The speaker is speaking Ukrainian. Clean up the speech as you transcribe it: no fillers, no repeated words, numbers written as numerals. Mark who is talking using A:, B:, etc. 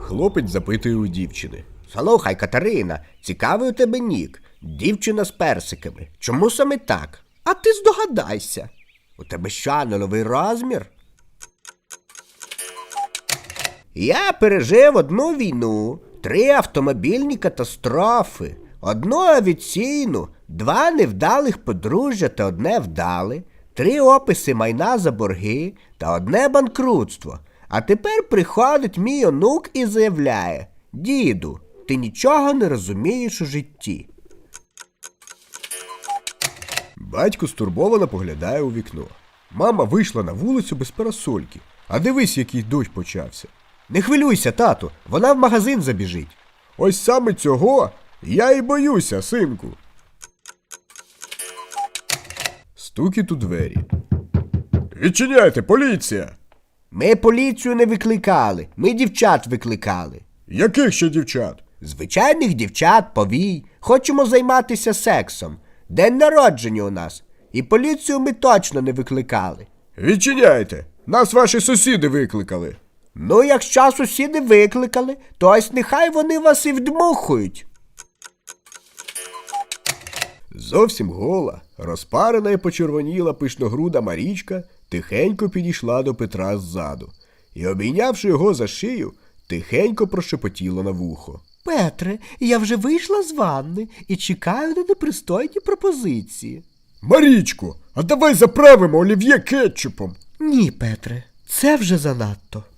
A: Хлопець запитує у дівчини.
B: Слухай, Катерина, цікавий у тебе нік. Дівчина з персиками. Чому саме так? А ти здогадайся. У тебе що, нульовий розмір? Я пережив одну війну, 3 автомобільні катастрофи, 1 авіаційну, 2 невдалих подружжя та 1 вдале, 3 описи майна за борги та 1 банкрутство. А тепер приходить мій онук і заявляє: діду, ти нічого не розумієш у житті.
A: Батько стурбовано поглядає у вікно. Мама вийшла на вулицю без парасольки. А дивись, який дощ почався.
B: Не хвилюйся, тату, вона в магазин забіжить.
A: Ось саме цього я і боюся, синку. Стукіт у двері. Відчиняйте, поліція!
B: Ми поліцію не викликали, ми дівчат викликали.
A: Яких ще дівчат?
B: Звичайних дівчат, повій. Хочемо займатися сексом. День народження у нас. І поліцію ми точно не викликали.
A: Відчиняйте! Нас ваші сусіди викликали.
B: Ну, якщо сусіди викликали, то ось нехай вони вас і вдмухують.
A: Зовсім гола, розпарена і почервоніла пишногруда Марічка тихенько підійшла до Петра ззаду і, обійнявши його за шию, тихенько прошепотіла на вухо.
B: Петре, я вже вийшла з ванни і чекаю на непристойні пропозиції.
A: Марічко, а давай заправимо олів'є кетчупом.
B: Ні, Петре, це вже занадто.